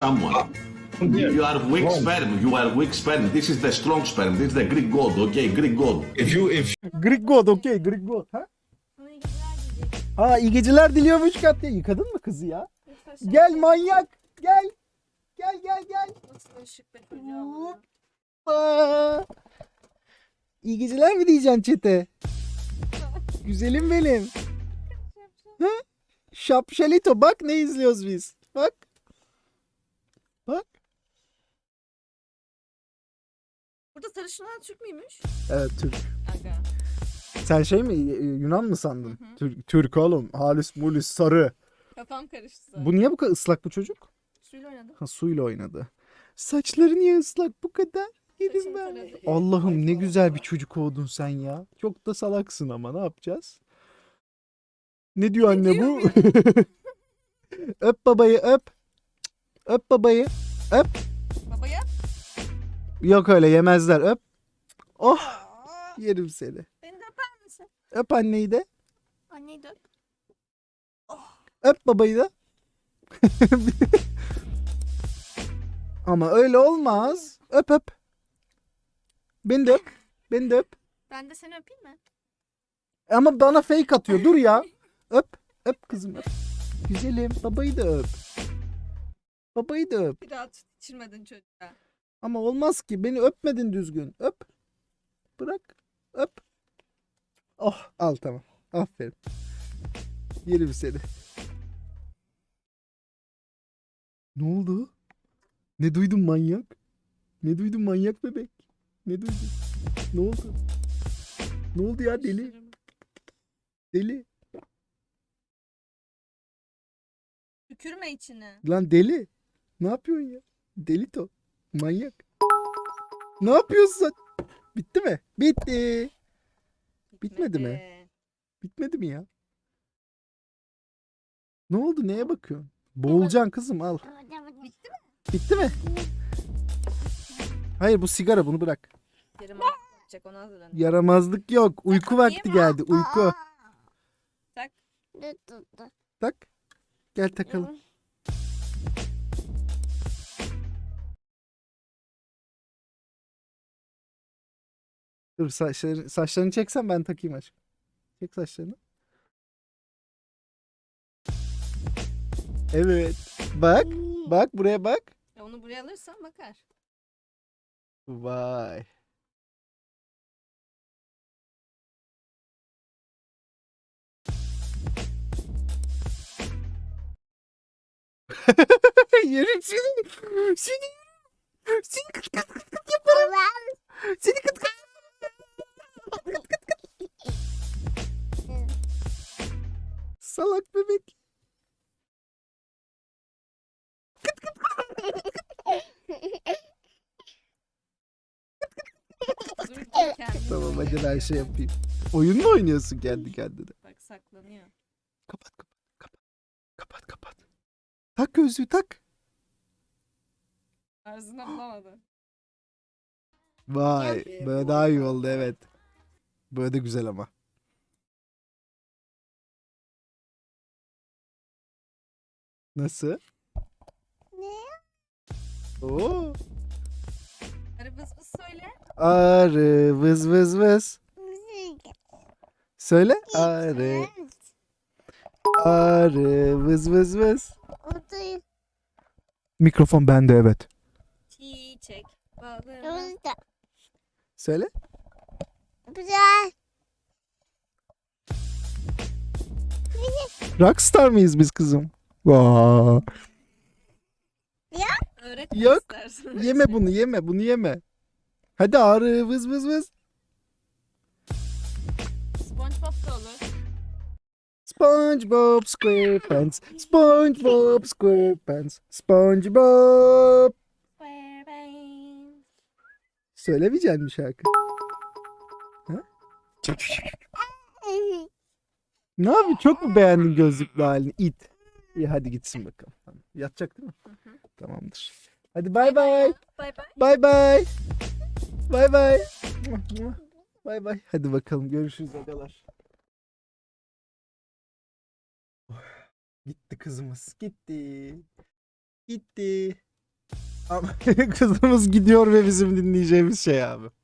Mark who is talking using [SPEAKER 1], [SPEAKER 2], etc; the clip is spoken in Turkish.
[SPEAKER 1] someone. You are weak sperm. You are weak sperm. This is the strong sperm. This is the Greek god. Okay, Greek god.
[SPEAKER 2] If
[SPEAKER 3] Greek God, okey, Greek God. Ha? Ha, iyi geceler diliyormuş Katya. Yıkadın mı kızı ya? Gel manyak. Gel. Gel.
[SPEAKER 4] Nasıl ışık be çocuğa.
[SPEAKER 3] Hoppa. İyi geceler mi diyeceksin çete? Güzelim benim. Ha? Şapşalito, bak ne izliyoruz biz. Bak. Bak.
[SPEAKER 4] Burada sarışınlar Türk müymüş?
[SPEAKER 3] Evet, Türk.
[SPEAKER 4] Aga.
[SPEAKER 3] Sen şey mi, Yunan mı sandın? Türk oğlum. Halis mulis sarı.
[SPEAKER 4] Kafam karıştı zaten.
[SPEAKER 3] Bu niye bu kadar ıslak bu çocuk?
[SPEAKER 4] Suyla oynadım.
[SPEAKER 3] Ha, suyla oynadı. Saçları niye ıslak bu kadar? Yedim
[SPEAKER 4] Saçım
[SPEAKER 3] ben.
[SPEAKER 4] taradı.
[SPEAKER 3] Allah'ım ne güzel bir çocuk oldun sen ya. Çok da salaksın ama ne yapacağız? Ne diyor anne bu? Öp babayı öp. Öp babayı. Öp.
[SPEAKER 4] Baba yap.
[SPEAKER 3] Yok öyle yemezler öp. Oh, yerim seni.
[SPEAKER 4] Beni de öper misin?
[SPEAKER 3] Öp anneyi de.
[SPEAKER 4] Anneyi de öp.
[SPEAKER 3] Öp babayı da. Ama öyle olmaz. Öp öp. Beni de öp. Beni de öp.
[SPEAKER 4] Ben de seni öpeyim mi?
[SPEAKER 3] Ama bana fake atıyor. Dur ya. Öp. Öp kızım öp. Güzelim. Babayı da öp. Babayı da öp.
[SPEAKER 4] Bir daha süt içirmedin çocuğa.
[SPEAKER 3] Ama olmaz ki. Beni öpmedin düzgün. Öp. Bırak. Öp. Oh, al tamam. Aferin. Yerim seni. Ne oldu? Ne duydun manyak? Ne duydun manyak bebek? Ne duydun? Ne oldu? Ne oldu ya deli?
[SPEAKER 4] Dişlerimi.
[SPEAKER 3] Deli.
[SPEAKER 4] Tükürme içine.
[SPEAKER 3] Lan deli. Ne yapıyorsun ya? Delito. Manyak. Ne yapıyorsun sen? Bitti mi? Bitti. Bitmedi mi? Bitmedi mi ya? Ne oldu? Neye bakıyorsun? Boğulacaksın kızım al.
[SPEAKER 4] Bitti mi?
[SPEAKER 3] Bitti mi? Hayır bu sigara bunu bırak.
[SPEAKER 4] Yarım yapacak ona hazırlanıyor.
[SPEAKER 3] Yaramazlık yok. Uyku vakti geldi. Uyku.
[SPEAKER 4] Tak.
[SPEAKER 3] Tak. Gel takalım. Dur saçlarını çeksen ben takayım aşkım. Çek saçlarını. Evet. Bak. Bak buraya bak.
[SPEAKER 4] Ya onu buraya alırsan bakar.
[SPEAKER 3] Vay. Yerim seni. Seni. Seni kıt kıt kıt kıt yaparım. Seni kıt kıt. Salak bebek.
[SPEAKER 4] Dur kendini
[SPEAKER 3] Tamam hadi
[SPEAKER 4] oynuyor
[SPEAKER 3] ben şey
[SPEAKER 4] ya.
[SPEAKER 3] yapayım. Oyun mu oynuyorsun kendi kendine?
[SPEAKER 4] Bak saklanıyor.
[SPEAKER 3] Kapat kapat kapat. Kapat kapat. Tak gözlüğü tak.
[SPEAKER 4] Arzına bulamadı.
[SPEAKER 3] Vay. Böyle daha iyi oldu evet. Böyle de güzel ama. Nasıl?
[SPEAKER 5] Ne?
[SPEAKER 3] Oo.
[SPEAKER 4] Arı bıs bıs söyle.
[SPEAKER 3] Arı vız vız vız. Söyle. Arı. Arı vız vız vız. Mikrofon bende evet.
[SPEAKER 4] Çiçek balına.
[SPEAKER 3] Söyle.
[SPEAKER 5] Güzel.
[SPEAKER 3] Rockstar mıyız biz kızım? Vaa.
[SPEAKER 4] Öğret
[SPEAKER 3] Yok.
[SPEAKER 4] istersen.
[SPEAKER 3] Yeme bunu yeme bunu yeme. Hadi arı vız vız vız.
[SPEAKER 4] SpongeBob da olur.
[SPEAKER 3] SpongeBob SquarePants. SpongeBob SquarePants. SpongeBob. Söylemeyecek misin şarkı? Ha? Ne yapayım? Çok mu beğendin gözlüklü halini? İt. İyi hadi gitsin bakalım. Tamam. Yatacak değil mi? Tamamdır. Hadi bay bay.
[SPEAKER 4] Bay bay.
[SPEAKER 3] Bay bay. Bay bay. Bay bay. Hadi bakalım görüşürüz agalar. Gitti kızımız. Gitti. Gitti. Kızımız gidiyor ve bizim dinleyeceğimiz şey abi.